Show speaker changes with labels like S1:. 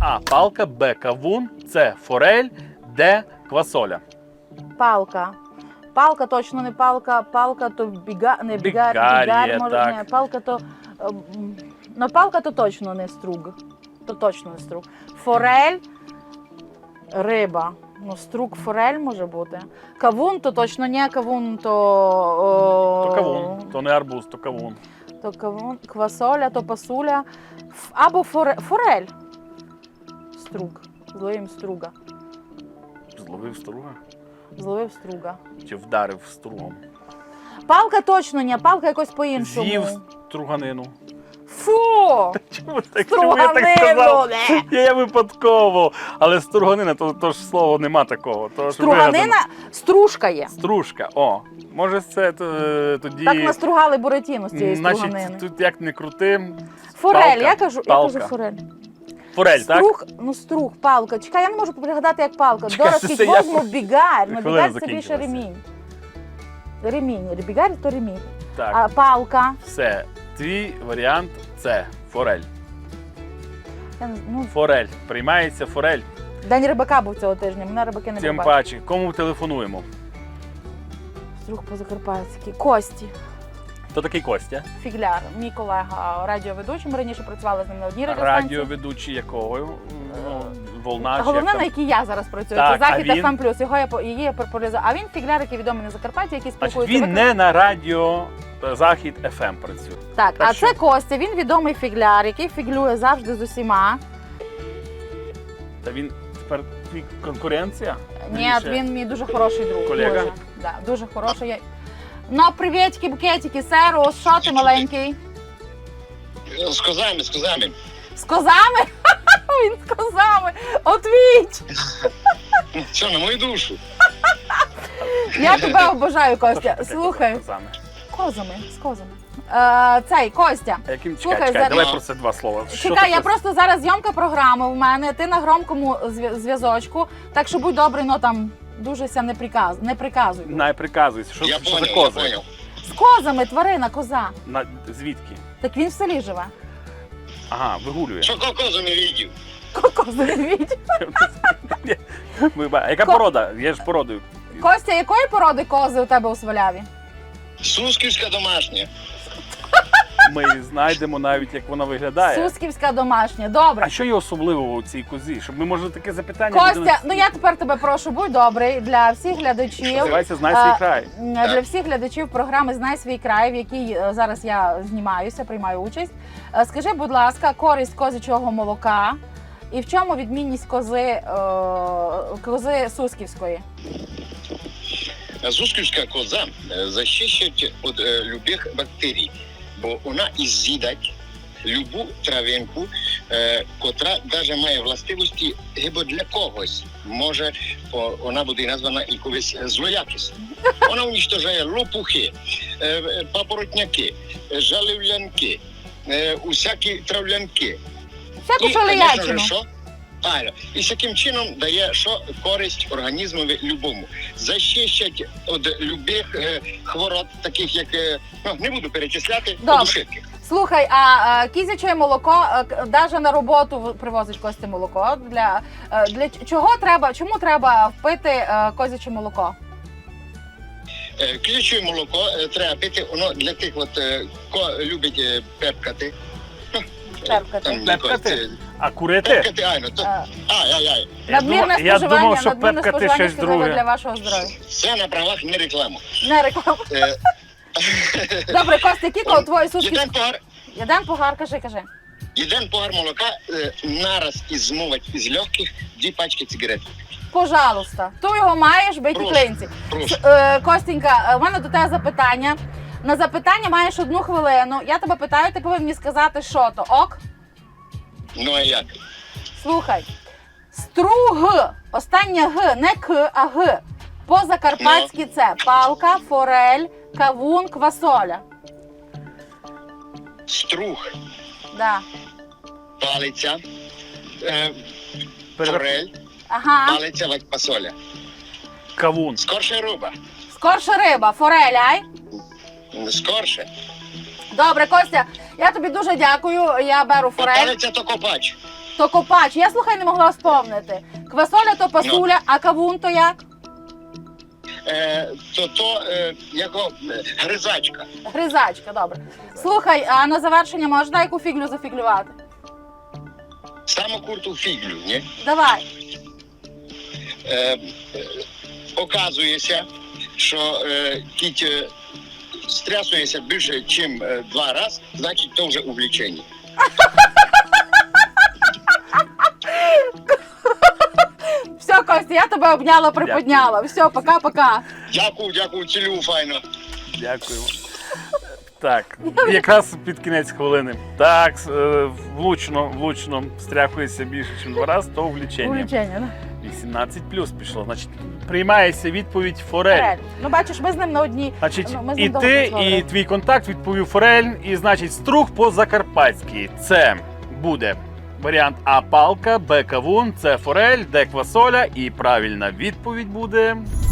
S1: А. Палка, Б. Кавун, С. Форель, Д. Квасоля.
S2: Палка. Палка точно не палка, палка то не бігар,
S1: Бігар'є,
S2: може,
S1: так.
S2: не, палка то... Ну, палка то точно не струг. То точно не струг. Форель, риба. Ну, струг, форель може бути. Кавун то точно не, кавун то...
S1: То кавун, то не арбуз, то кавун.
S2: То кавун, квасоля, то пасуля. Або форель. Струг. Зловив струга.
S1: Зловив струга?
S2: Зловив струга.
S1: Чи вдарив стругом?
S2: Палка точно не, палка якось по-іншому.
S1: З'їв струганину.
S2: Фу!
S1: Чому я так сказав? Я випадково. Але струганина, то ж слово нема такого. То ж
S2: Струганина,
S1: вигадано.
S2: стружка є.
S1: Стружка, о. Може це тоді...
S2: Так настругали буратіно з цієї
S1: Значить,
S2: струганини.
S1: тут як не крути.
S2: Форель,
S1: палка,
S2: я кажу
S1: палка.
S2: форель.
S1: Форель, так?
S2: Струг, ну струг, палка. Чекай, я не можу пригадати, як палка.
S1: Чекай,
S2: Дорожки
S1: це я-
S2: возьму бігар. Ну
S1: Хвилина
S2: бігар це більше
S1: закінчилася.
S2: ремінь. Ремінь. Бігар то ремінь.
S1: Так.
S2: А палка.
S1: Все. Твій варіант це форель.
S2: Ну,
S1: Форель. Приймається форель.
S2: День рибака був цього тижня, мене рибаки не
S1: Тим
S2: побачили.
S1: паче. Кому телефонуємо?
S2: Струг по-закарпатськи. Кості.
S1: Хто такий Костя?
S2: Фігляр, мій колега радіоведучий, ми раніше працювали з ним на одній радіостанції.
S1: Радіоведучий якого? Ну, Волна чи
S2: Головне,
S1: як
S2: на
S1: там?
S2: якій я зараз працюю,
S1: Так,
S2: це Захід
S1: а він?
S2: FM+, її я популяризую. А він фігляр, який відомий на Закарпатті, який
S1: Значить,
S2: спілкується.
S1: він не на радіо Захід FM працює.
S2: Так,
S1: Так
S2: а
S1: що?
S2: це Костя, він відомий фігляр, який фіглює завжди з усіма.
S1: Та він тепер твій конкуренція?
S2: Ні,
S1: Більше?
S2: він мій дуже хороший друг.
S1: Колега?
S2: Дуже, да, дуже хороший. Ну, привітки, букетики, серу, що ти маленький?
S3: З козами, з козами.
S2: З козами? Він з козами. Отвіть!
S3: Що, на мою душу?
S2: Я тебе обожаю, Костя.
S1: Що таке
S2: Слухай,
S1: козами?
S2: Козами, з козами. Цей, Костя.
S1: А яким
S2: Слухай,
S1: чекай,
S2: зараз-
S1: давай про це два слова. Що
S2: Чекай,
S1: таке?
S2: я просто зараз зйомка програми в мене, ти на громкому зв'язочку, так що будь добрий, ну там дуже ся не приказуй.
S1: Не приказуйся, що,
S3: Я
S1: що за
S3: понял, я
S1: кози?
S3: понял.
S2: З козами, тварина, коза.
S1: Звідки?
S2: Так він в селі живе.
S1: Ага, вигулює.
S3: Що козу не видів?
S2: Кози відь.
S1: А яка порода? Є ж породою.
S2: Костя, якої породи кози у тебе у Сваляві?
S3: Сусківська домашня.
S1: Ми знайдемо навіть, як вона виглядає.
S2: Сусківська домашня. Добре.
S1: А що є особливого у цій козі? Щоб ми, може, таке запитання...
S2: Костя, ну я тепер тебе прошу, будь добрий, для всіх глядачів.
S1: Називається «Знай свій край».
S2: Для всіх глядачів програми «Знай свій край», в якій зараз я знімаюся, приймаю участь. Скажи, будь ласка, користь козячого молока і в чому відмінність кози сусківської?
S3: Сусківська коза захищає від любих бактерій, бо вона з'їдать любу травинку, котра навіть має властивості гибо для когось. Може, вона буде названа якоюсь злоякісною. Вона уничтожає лопухи, папоротняки, жалівлянки, усякі травлянки.
S2: Всяку
S3: конечно же,
S2: шаліячину.
S3: що? Правильно. І таким чином дає що користь організмові любому. Защищать від любих хвороб, таких як, не буду перечисляти,
S2: Добре.
S3: подушитки.
S2: Слухай, а кізяче молоко, навіть на роботу привозить Костя молоко. Для чого треба, чому треба впити козяче молоко?
S3: Кізяче молоко треба пити, воно для тих, хто любить пепкати.
S2: Пепкати.
S1: Пепкати? А курити?
S3: Пепкати, айно. Ай.
S2: Надмірне
S1: Я думав,
S2: споживання,
S1: що
S2: надмірне
S1: пепкати
S2: споживання
S1: щось
S2: шкідливе
S1: друге.
S2: для вашого здоров'я.
S3: Це на правах не реклама.
S2: Не реклама. Добре, Костя, які твої сушки? Єден погар, кажи.
S3: Один погар молока нараз змовить із легких 2 пачки цигарет.
S2: Пожалуйста. Ти його маєш, бейті
S3: Прошу.
S2: клинці.
S3: Прошу.
S2: Костенька, у мене до тебе запитання. На запитання маєш 1 хвилину. Я тебе питаю, ти повинен мені сказати, що то. Ок?
S3: Ну а як?
S2: Слухай. Струг. Останнє Г, не К, а Г. По-закарпатськи це палка, форель, кавун, квасоля.
S3: Струг,
S2: Да.
S3: палиця, форель,
S2: Ага.
S3: палиця, фасоля.
S1: Кавун.
S3: Скорше риба.
S2: Скорше риба, форель, ай?
S3: Скорше.
S2: Добре, Костя, я тобі дуже дякую. Я беру
S3: А
S2: форель.
S3: палиця то копач.
S2: То копач. Я, слухай, не могла вспомнити. Квасоля то пасуля, а кавун то як?
S3: Яко гризачка.
S2: Гризачка, добре. Слухай, а на завершення можна яку фіглю зафіглювати?
S3: Саму курту фіглю, ні?
S2: Давай.
S3: Оказується, що кіть стрясується більше, ніж 2 рази, значить, то вже увлечення.
S2: Все, Костя, я тебе обняла, приподняла. Все, пока-пока.
S3: Дякую, цілю файно.
S1: Дякуємо. Так, якраз під кінець хвилини. Так, влучно стряхується більше, ніж 2 рази, то влічення.
S2: Увлечення, да?
S1: 18 плюс пішло. Значить, приймається відповідь форель.
S2: Форель. Ну, бачиш, ми з ним на одній.
S1: Значить,
S2: Ну, ми з
S1: і
S2: ним довго
S1: ти,
S2: працювали.
S1: і твій контакт відповів форель, і значить струг по-закарпатськи. Це буде варіант А палка, Б кавун, С форель, Д квасоля, і правильна відповідь буде